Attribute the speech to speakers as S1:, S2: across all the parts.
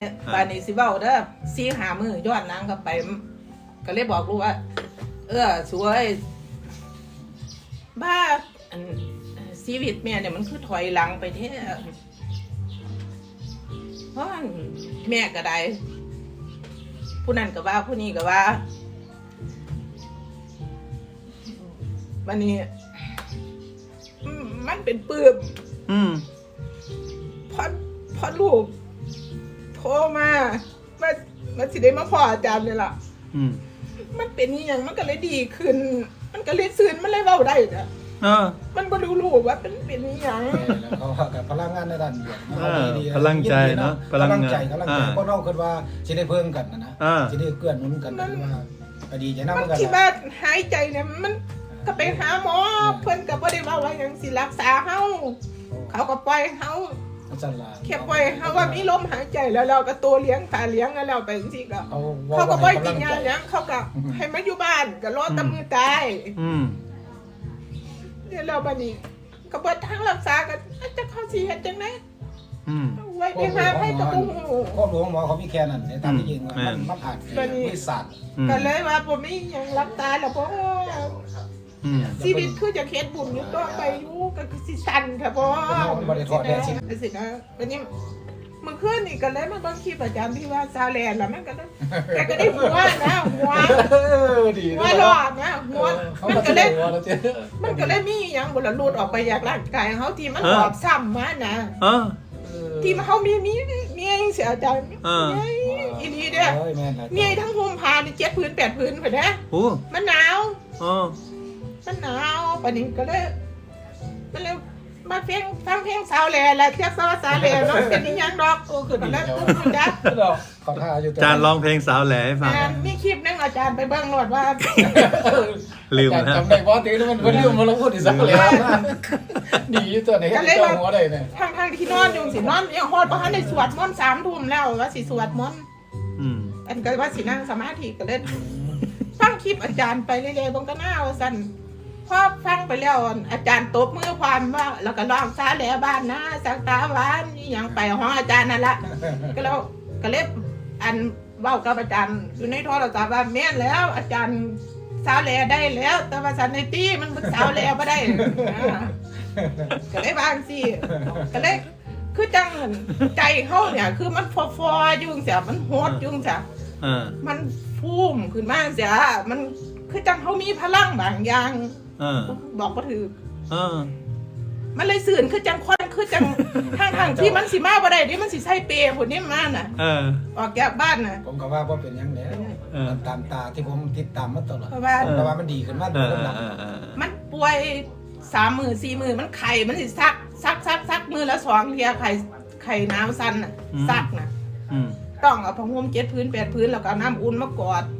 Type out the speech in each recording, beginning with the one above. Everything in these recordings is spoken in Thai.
S1: บานนี้สิเว้าเด้อ4-5 มื้อย้อนหลังกลับไปก็เลยบอกลูกว่าสวยบ้าอันชีวิตแม่เนี่ยมันคือถอยหลังไปแท้เพราะแม่ก็ได้ผู้นั้นก็ว่าผู้นี้ก็ว่าวันนี้มันเป็นปื้มพอลูกโทรมาสิได้มาพ่ออาจารย์เลยล่ะมันเป็นอย่างมันก็เลยดีขึ้นมันก็เลยซื่นมันเลยเว้าได้จ้ะมันบ่รู้ว่าเป็นอย่าง
S2: เขากับพลังงานในด้านเดียว
S3: พลังใจเนาะ
S2: พลังใจเพราะเราคิดว่าสิได้เพิ่มกันนะสิได้เกื้อหนุนกันว่าก็ดีใจนำกัน
S1: ที่บ้านหายใจเนี่ยมันก็ไปหาหมอเพิ่นก็บ่ได้ว่าหยังสิรักษาเฮาเขาก็ปล่อยเฮาแค่ปล่อยเฮาว่ามีลมหายใจแล้วเราก็ตัวเลี้ยงตาเลี้ยงแล้วเราไปจังซี่ก็เขาก็บ่ได้กินยาหยังเขาก็ให้มาอยู่บ้านก็รอตำมือตายเดี๋ยวเราบัดนี้ก็บ่ทางรักษาก็จะเข้าสิเฮ็ดจังได๋ไว้ไปหาให้ก็บ่ฮู้
S2: พ่อหลวงหมอเขามีแค่นั้นในตามที่จริงมันอาจมีศาสตร์
S1: ก็เลยว่าบ่มีหยังรับตาแล้วบ่ชีวิตคือจะเฮ็ดบุญอยู่ต่อไปอยู่ก็คือสิสั่นค่ะบ่
S2: บ่ได้ทอดแท้สิ
S1: นะวันนี้เมื่อคืนนี่ก็เลยมาเบิ่งคลิปอาจารย์ที่ว่าซาแลนด์แล้วมันก็แต่ก็ได้หัวนะหัว
S2: ดี
S1: หัวหลอดนะหัวมันก็เลยมีหยังบ่ละรูดออกไปจากร่างกายเฮาที่มันหอบซ้ำมานะที่เฮามีจังซี่อาจารย์อีนี่เด้อมีทั้งห่มผ้านี่7 พื้น 8 พื้นพุ่นนะมันหนาวมันหนาวปานนี้ก็เลยมันเลยมาฟังเพลงสาวแหล่และเทียบสาวแหล่เนาะเป็นอีหยังดอกขึ้นแล้วคุณจ๊ะ
S2: เขาท่าอยู่
S3: อาจารย์ร้องเพลงสาวแหล่ให้ฟัง
S1: มีคลิปนึงอาจารย์ไปเบิ่งโหลดว่า
S3: ลืมนะ
S2: จำได้บ่ตีมันลืมมาแล้วพูดอีกสักแล้วดีตัวไหนให้เจ้าหัวได้เนี่ย
S1: ทางที่นอนอยู่สินอนยังฮอดบ่ทันได้สวดมนต์3 ทุ่มแล้วว่าสิสวดมนต์อันก็ว่าสินั่งสมาธิก็เล่นฟังคลิปอาจารย์ไปเรื่อยๆเบิ่งก็น่าว่าซั่นพอฟังไปแล้วอาจารย์ตบมือความว่าแล้วก็ร้องซาแหล่บ้านนะสักตาหวานนี่หยังไปห้องอาจารย์นั่นละก็แล้วก็เล็บอันเว้ากับอาจารย์อยู่ในโทรศัพท์ว่าแม่นแล้วอาจารย์สาวแหล่ได้แล้วแต่ว่าสันในตี้มันบึกสาวแหล่บ่ได้ก็เลยบางสิก็เลยคือจังใจเฮาเนี่ยคือมันฟอๆอยู่จังซี่มันโหดอยู่จังซี่มันพุ่มขึ้นมาจังซี่มันคือจังเฮามีพลังบางอย่างบอกบ่ถูกมันเลยสื่นคือจังคนคือจังทางที่มันสิมาบ่ได้ดิมันสิใส่เปย์พุ่นนี่มาน่ะออกจากบ้านน่ะ
S2: ผมก็ว่าบ่เป็นหยังแล้วตามตาที่ผมติดตามมาตลอดเพราะว่ามันดีขึ้นมาโดน
S1: มันป่วย3 มื้อ 4 มื้อมันไข้มันสิซักมื้อละ2 เที่ยไข้หนาวสั่นน่ะซักน่ะต้องเอาผ้าห่ม7 พื้น 8 พื้นแล้วก็น้ำอุ่นมากอด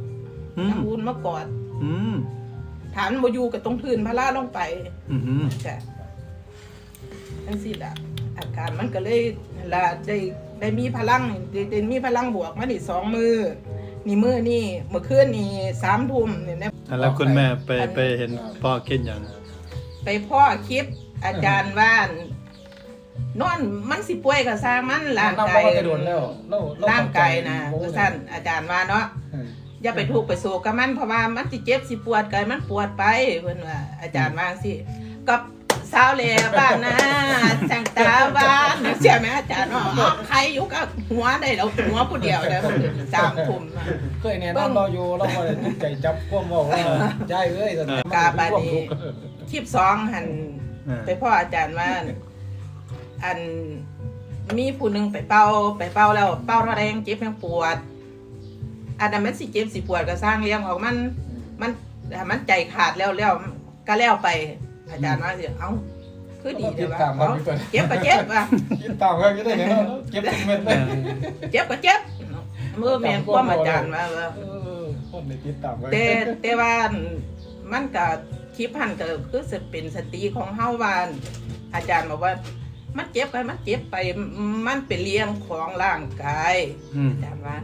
S1: ฐานบ่อยู่กับตรงพื้นพะลาลงไปจ้ะจังซี่ล่ะอาการมันก็เลยล่ะได้มีพลังได้มีพลังบวกมานี่2 มื้อนี่มื้อนี่เมื่อคืนนี่3 ทุ่มนี่นะ
S3: แล้วคุณแม่ไปเห็นพ่อกินหยัง
S1: ไปพ่อคลิปอาจารย์ว่านอนมันสิป่วยก็สร้างมันร่างกายนะท่านอาจารย์ว่าเนาะอย่าไปทุกข์ไปโศกกับมันเพราะว่ามันสิเจ็บสิปวดกายมันปวดไปเพิ่นว่าอาจารย์ว่าสิกับสาวแหล่บ้านนะจังตาบ้านเสียแม่อาจารย์เนาะใครอยู่กับหัวได้แล้วหัวผู้เดียวได้3 ทุ่ม
S2: เคยแน่นอนเราอยู่เราบ่ได้ใจจับความเว้าว่าใจเอ้ยตอนนั้น
S1: กาบาดนี้คลิป2หั่นไปพ่ออาจารย์ว่าอันมีผู้นึงไปเป่าแล้วเป่าเท่าใดยังเจ็บยังปวดอันนั้นมันสิเจ็บสิปวดก็สร้างเรื่องของมันใจขาดแล้วก็แล้วไปอาจารย์ว่าสิเอ้าคือดีเด้อว่าเจ็บก็เจ็บว่ะ
S2: คิดตามกันได้เนาะเจ็บเม็ดเลย
S1: เจ็บก็เจ็บมือแม่นความอาจารย์ว่า
S2: คนได้คิดตามกัน
S1: แต่ว่ามันก็คลิปหันก็คือสิเป็นสติของเฮาว่าอาจารย์บอกว่ามันเจ็บไปมันเป็นเรื่องของร่างกายอาจารย์ว่า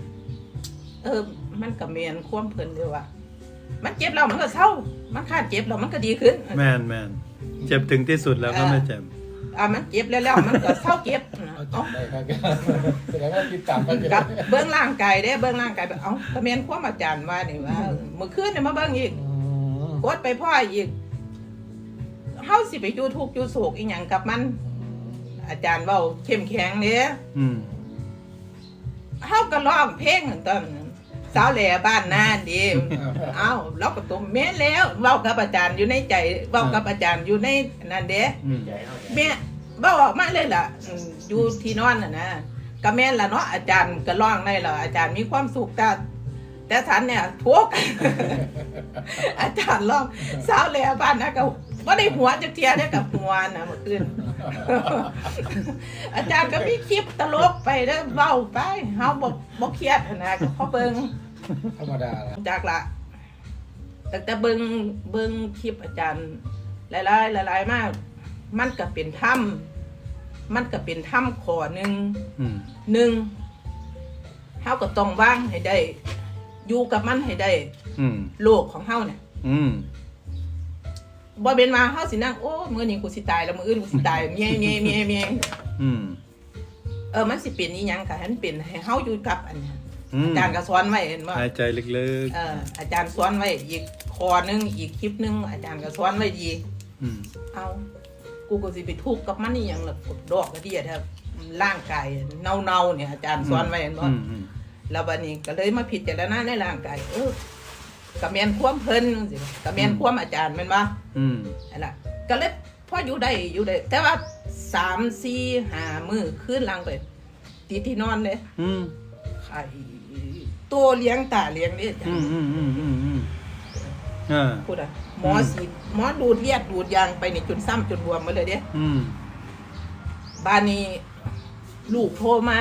S1: มันก็แม่นความเพิ่นด้วยว่ามันเจ็บแล้วมันก็เศร้ามันขาดเจ็บแล้วมันก็ดีขึ้น
S3: แม่นเจ็บถึงที่สุดแล้วก็ไม่เจ็บ
S1: มันเจ็บแล้วมันก็เศร้าเจ็บ
S2: เราจำได้ครับแสดงว่าคิดตามกัน
S1: กับเบื้องร่างกายเด้เบื้องร่างกายแบบเอ้าก็แม่นความอาจารย์ว่านี่ว่าเมื่อคืนเนี่ยมาเบิ่งอีกกดไปพ่ออีกเฮาสิไปอยู่ทุกข์อยู่โศกอีหยังกับมัน อาจารย์เว้าเข้มแข็งเด้เฮาก็ร้องเพลงตอนสาวแหล่บ้านนาดิเอ้าเราก็ตัวแม่นแล้วเว้ากับอาจารย์อยู่ในใจเว้ากับอาจารย์อยู่ในนั่นเด้แม่เว้าออกมาเลยล่ะอยู่ที่นอนน่ะนะก็แม่นล่ะเนาะอาจารย์ก็ร้องได้ล่ะอาจารย์มีความสุขแต่ฉันเนี่ยทุกข์ อาจารย์ร้องสาวแหล่บ้านนาก็บ่ได้หัวจักเที่ยเด้กับหัวน่ะเมื่อคืน อาจารย์ก็มีคลิปตลกไปเด้อเว้าไปเฮาบ่เครียดนะก็พอเบิ่ง
S2: ธรรมดาละ
S1: จากละแต่เบิ่งคลิปอาจารย์หลายมากมันก็เป็นถ้ำข้อหนึ่งเฮาก็ต้องวางให้ได้อยู่กับมันให้ได้โลกของเฮาเนี่ยบ่เป็นมาเฮาสินั่งโอ้มื้อนี้กูสิตายแล้วมื้ออื่นกูสิตายเมียมันสิเป็นอีหยังก็ให้มันเป็นให้เฮาอยู่กับอันนี้อาจารย์ก็สอนไว้เห็นบ่
S3: หายใจลึก
S1: อาจารย์สอนไว้อีกข้อนึงอีกคลิปนึงอาจารย์ก็สอนไว้ดีเอากูก็สิไปทุกข์กับมันอีหยังล่ะดอกกระเดียแท้ร่างกายเน่าๆเนี่ยอาจารย์สอนไว้เห็นบ่แล้วบัดนี้ก็เลยมาพิจารณาในร่างกายก็แม่นความเพิ่นจังซี่ก็แม่นความอาจารย์แม่นบ่นั่นล่ะก็เลยพออยู่ได้แต่ว่า3 4 5มื้อคืนหลังไปติดที่นอนเด้ไข่ตัวเลี้ยงตาเลี้ยงนี่พูดอ่ะหมอดูดเลือดดูดยางไปนี่จนซ้ำจนบวมมาเลยเด้บ้านนี้ลูกโทรมา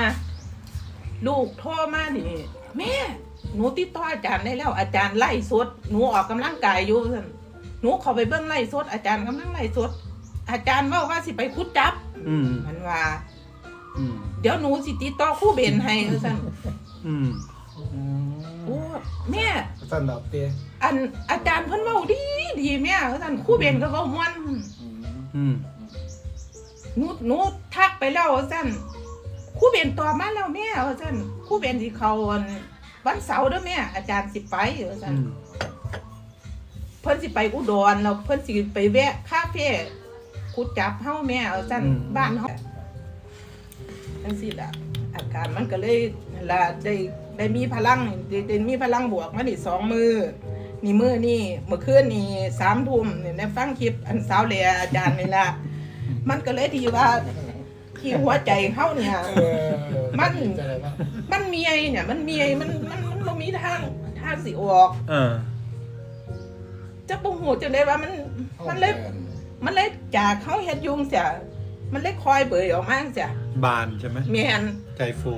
S1: นี่แม่หนูติดต่ออาจารย์ได้แล้วอาจารย์ไล่สดหนูออกกำลังกายอยู่หนูเข้าไปเบิ่งไล่สดอาจารย์กำลังไล่สดอาจารย์ว่าสิไปคุดจับมันว่าเดี๋ยวหนูสิติดต่อครูเบนให้ซั่นโอ้แม่
S2: สั่นดอกเตี้ย
S1: อาจารย์เพิ่นเว้าดีแม่ซั่นครูเบนก็เว้าม่วนหนูทักไปแล้วซั่นครูเบนตอบมาแล้วแม่ซั่นครูเบนสิเข้าวันเสาร์เด้อแม่อาจารย์สิไปซั่นเพิ่นสิไปอุดรแล้วเพิ่นสิไปแวะคาเฟ่คุดจับเฮาแม่ซั่นบ้านเฮาจังซี่ล่ะอาการมันก็เลยล่ะได้มีพลังได้มีพลังบวกมานี่2มื้อนี่มื้อนี่เมื่อคืนนี่3 ทุ่มนี่ได้ฟังคลิปอันสาวแหล่อาจารย์นี่ล่ะมันก็เลยที่ว่าที่หัวใจเฮาเนี่ยมันมีไอ้เนี่ยมันบ่มีทางสิออกจะบ่ฮู้จังได๋ว่ามันเลยจากเฮาเฮ็ดยุงเสียมันเลยคอยเบยออกมาเสีย
S3: บานใช่ไหม
S1: แม่น
S3: ใจฟู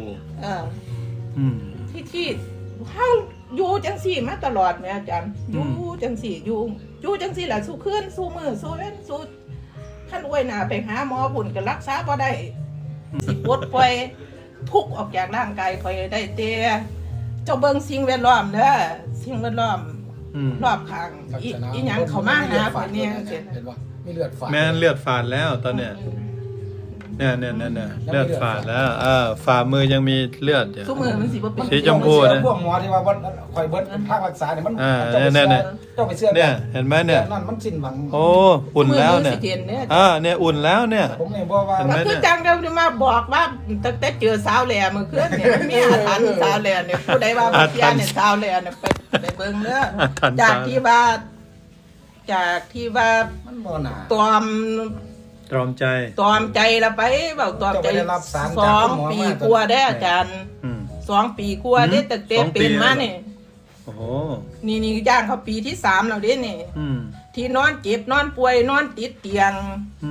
S1: ที่เฮาอยู่จังซี่มาตลอดแม่อาจารย์อยู่จังซี่อยู่จังซี่ล่ะสู้คืนสู้มื้อสู้เว้นสู้คันอวยหน้าไปหาหมอพุ่นก็รักษาบ่ได้สิปลดปล่อยทุกข์ออกจากร่างกายค่อยได้แต่เจ้าเบิ่งสิ่งแวดล้อมเด้อสิ่งแวดล้อมรอบข้างอีหยังเข้ามาหาเพิ่นเนี่ยเห็นบ่
S2: มีเลือดฝาด
S3: แม่เลือดฝาดแล้วตอนเนี้ยเนี่ยเลือดฝาดแล้วฝ่ามือยังมีเลือดอยู่
S1: ซุมือมันสิบ่เป็น
S3: สีชมพูนะ
S2: พวกหมอที่ว่าคอยเบิดภาครักษาเนี่ยมันเจ้าไปเสื้อ
S3: เนี่ยเห็นไหมเนี่ย
S2: นั่นมันสิ้นหวัง
S3: โอ้อุ่นแล้วเนี่ยเนี่ยอุ่นแล้วเนี่ย
S2: ผมเนี่ยบอกว่า
S1: มันคือจังเดิมมาบอกว่าตั้งแต่เจอสาวแหล่มื้อคืนเนี่ยมีอาถรรพ์สาวแหล่เนี่ยผู้ใดว่าบ่เชื่อเนี่ยสาวแหล่เนี่ยไปเบิ่งเด้อจากที่ว่า
S2: มันบ่น่า
S3: ตรอม
S1: ใจละไปเว้าตรอมใจ2 ปีกว่าได้อาจารย์2 ปีกว่าได้ตั้งแต่เป็นมานี่
S3: โอ้โห
S1: นี่ย่างเขาปีที่3แล้วเด้นี่ที่นอนเจ็บนอนป่วยนอนติดเตียง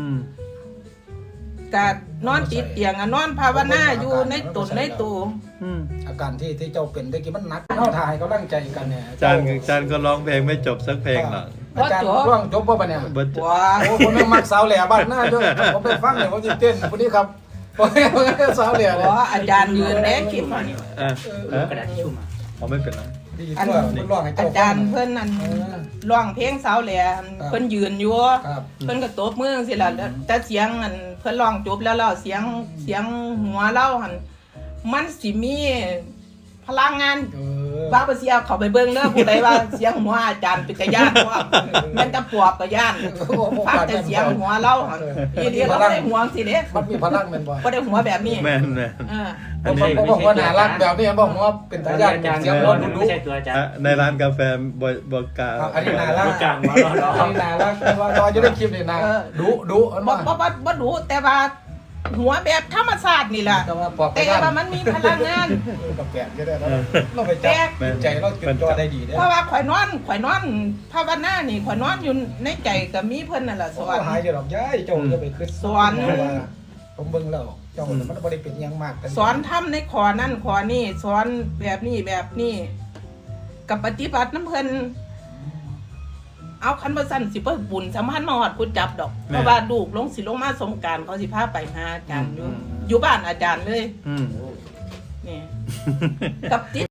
S1: ก็นอนติดเตียงนอนภาวนาอยู่ในตนในตัว
S2: อาการที่เจ้าเป็นได้กี่มันหนักเฮาถ่ายกำลังใจกันเนี่ย
S3: อาจารย์ก็ร้องเพลงไม่จบสักเพลงหรอก
S2: อาจารย์ร้องจบป่ะเนี่ยว้าวผมยังมักสาวแหล่บ้านหน้าด้วยผมไปฟังเนี่ยผมจะเต้นคนนี้ครับผมสาวแหล่เลย
S1: อาจารย์ยืนแน่คลิป
S3: กระดาษทิชชู่มา
S2: ผมไม่เป็นไรดีทั่วมันร้องให้
S1: อา
S2: เจ้า
S1: จารย์เพิ่นนั่นร้องเพลงสาวแหล่เพิ่นยืนอยู่
S2: ครับ
S1: เพิ่นก็ตบมือสิล่ะแล้วแต่เสียงอันเพิ่นร้องจบแล้วเสียงหัวเล่าหั่นมันสิมีพลังงานว่าบ่เสียเข้าไปเบิ่งเด้อผู้ใดว่าเสียงหัวอาจารย์เป็นตาย่านเพราะมันตะปวกก็ย่านฟังแต่เสียงหัวเล่าหั่นอีเดียวเราบ่ได้หัวสิเด้
S2: มันมีพลังแม่นบ่
S1: บ่ได้หัวแบบนี้
S3: แม่น
S1: เออ
S2: ผมบอกว่าน่ารักแบบนี้บอกว่าเป็นทายาทเสียงร้อนดุ
S4: ไม่ใช่ตัวอาจารย์
S3: ในร้านกาแฟบ่กล้า
S2: อันนี้น่ารัก
S4: กลางมา
S2: อันนี้น่ารักว่าตอนจะได้คลิปนี่นะดุอัน
S1: บ่
S2: ว่า
S1: บ่รู้แต่ว่าหัวแบบธรรมชาตินี่ล่ะ
S2: แต่ว่าปอกไป
S1: แต่ว่ามันมีพลังงาน
S2: กับแกะก็ได้แล้วเราไปจับใจเราจุดจอได้ดีเนี่ย
S1: เพราะว่าข่อยนอนภาวนานี่ข่อยนอนอยู่ในใจก็มีเพิ่นนั่นล่ะส
S2: ส
S1: อ
S2: อน นหายจะหรอกย้ายเจ้าจะไปขึ้นผมเบิ่งแล้วเจ้ามันบ่ได้เป็นยังมาก
S1: สอนทำในขอนั่นขอนี่สอนแบบนี้กับปฏิบัติน้ำเพิ่นเอาคันบ่สั่นสิเพิ่นบุญสัมพันธ์มาฮอดกูจับดอกเพราะว่าลูกลงสิลงมาสงกรานต์เขาสิพาไปหาอาจารย์อยู่บ้านอาจารย์เลย
S3: อืม
S1: นี่กับติด